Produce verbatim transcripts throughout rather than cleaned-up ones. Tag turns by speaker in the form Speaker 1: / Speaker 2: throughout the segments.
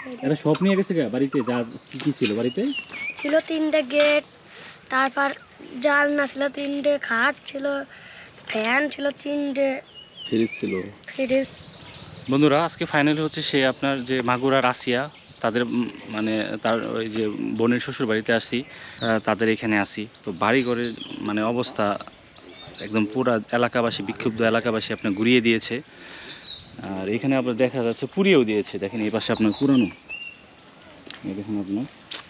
Speaker 1: এরা সব নিয়ে গেছে গা বাড়িতে? যা কি কি ছিল বাড়িতে?
Speaker 2: ছিল তিনটে গেট, তারপর জানলা ছিল তিনটে, খাট ছিল, ফ্যান ছিল তিনটে,
Speaker 3: ফ্রিজ ছিল।
Speaker 2: ফ্রিজ।
Speaker 1: বন্ধুরা আজকে ফাইনালি হচ্ছে সে আপনার যে মাগুরা রাশিয়া তাদের উম, মানে তার ওই যে বোনের শ্বশুর বাড়িতে আসি, আহ, তাদের এখানে আসি। তো বাড়ি ঘরের মানে অবস্থা একদম পুরা এলাকাবাসী, বিক্ষুব্ধ এলাকাবাসী আপনার ঘুরিয়ে দিয়েছে। আর এখানে আপনার দেখা যাচ্ছে পুড়িয়েও দিয়েছে। দেখেন এই পাশে আপনার পুরানো, এই দেখুন আপনার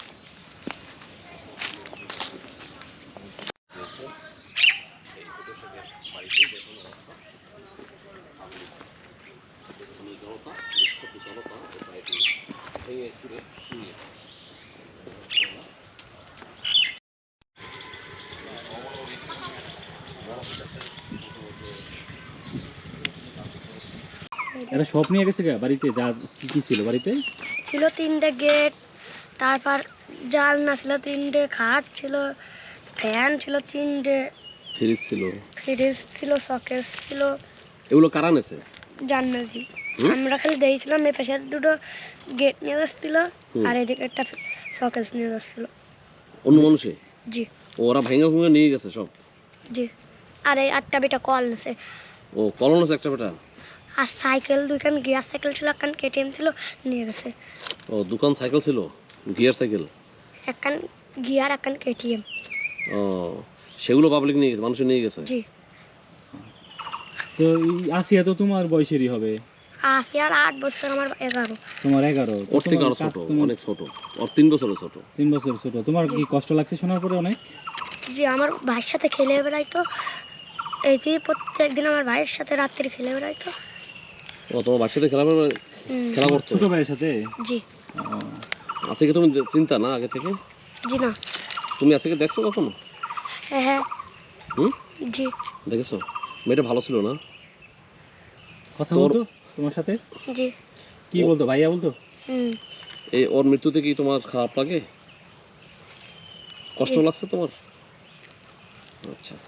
Speaker 1: এরা সব নিয়ে গেছে গা বাড়িতে? যা কি কি ছিল বাড়িতে?
Speaker 2: ছিল তিনটে গেট, তারপর জানলা ছিল তিনটে, খাট ছিল, ফ্যান ছিল তিনটে,
Speaker 3: ফ্রিজ ছিল।
Speaker 2: ফ্রিজ ছিল, শকেস ছিল।
Speaker 3: এগুলো কারা নেছে?
Speaker 2: জান্নাতি আমরা খালি দিয়েছিলাম। এই পাশে দুটো গেট নিয়ে যাচ্ছিল, আর এদিকে একটা শকেস নিয়ে যাচ্ছিল।
Speaker 3: অন্য মানুষে?
Speaker 2: জি
Speaker 3: ওরা ভাঙা ভুঙে নিয়ে গেছে সব?
Speaker 2: জি। আর এই আটটা বেটা কল নেছে।
Speaker 3: ও কলন আছে একটা বেটা?
Speaker 2: আর সাইকেল দুইখান, গিয়ার সাইকেল ছিল, একখান কেটিএম ছিল, নিয়ে গেছে।
Speaker 3: ও দোকান সাইকেল ছিল, গিয়ার সাইকেল?
Speaker 2: একখান গিয়ার, একখান কেটিএম।
Speaker 3: ও সেগুলো পাবলিক নিয়ে গেছে, মানুষ নিয়ে গেছে?
Speaker 2: জি।
Speaker 1: তো এই আসিয়া তো তোমার বয়সেরই হবে।
Speaker 2: আশি আর আট বছর, আমার এগারো।
Speaker 1: তোমার এগারো। তো
Speaker 3: ওর থেকে
Speaker 1: তোমার
Speaker 3: আরো ছোট,
Speaker 1: কাজ তুমি
Speaker 3: অনেক ছোট। ওর তিন বছরের ছোট।
Speaker 1: তিন বছর ছোট। তোমার কি কষ্ট লাগছে শোনার পরে অনেক?
Speaker 2: জি, আমার ভাইয়ের সাথে খেলে বেড়াইতো। এই যে প্রত্যেক দিন আমার ভাইয়ের সাথে রাত্রি খেলে বেড়াইতো।
Speaker 3: ও তোমার বাচ্চাদের খেলা
Speaker 2: হুম,
Speaker 3: খেলা করতো?
Speaker 1: ছোট ভাইয়ের সাথে?
Speaker 2: জি।
Speaker 3: আছে কি তুমি চিন্তা না আগে থেকে?
Speaker 2: জি না।
Speaker 3: তুমি আছে কি দেখছো কখনো?
Speaker 2: হ্যাঁ হ্যাঁ।
Speaker 3: হুম
Speaker 2: জি
Speaker 3: দেখেছো? মেয়েটা ভালো ছিল না?
Speaker 1: কথা
Speaker 3: তোর-
Speaker 1: বলতো তোমার সাথে?
Speaker 2: জি।
Speaker 1: কি বলতো? ভাইয়া বলতো?
Speaker 2: হুম।
Speaker 3: এই ওর মৃত্যুতে কি তোমার খারাপ লাগে? কষ্ট
Speaker 2: জি।
Speaker 3: লাগছে তোমার? আচ্ছা।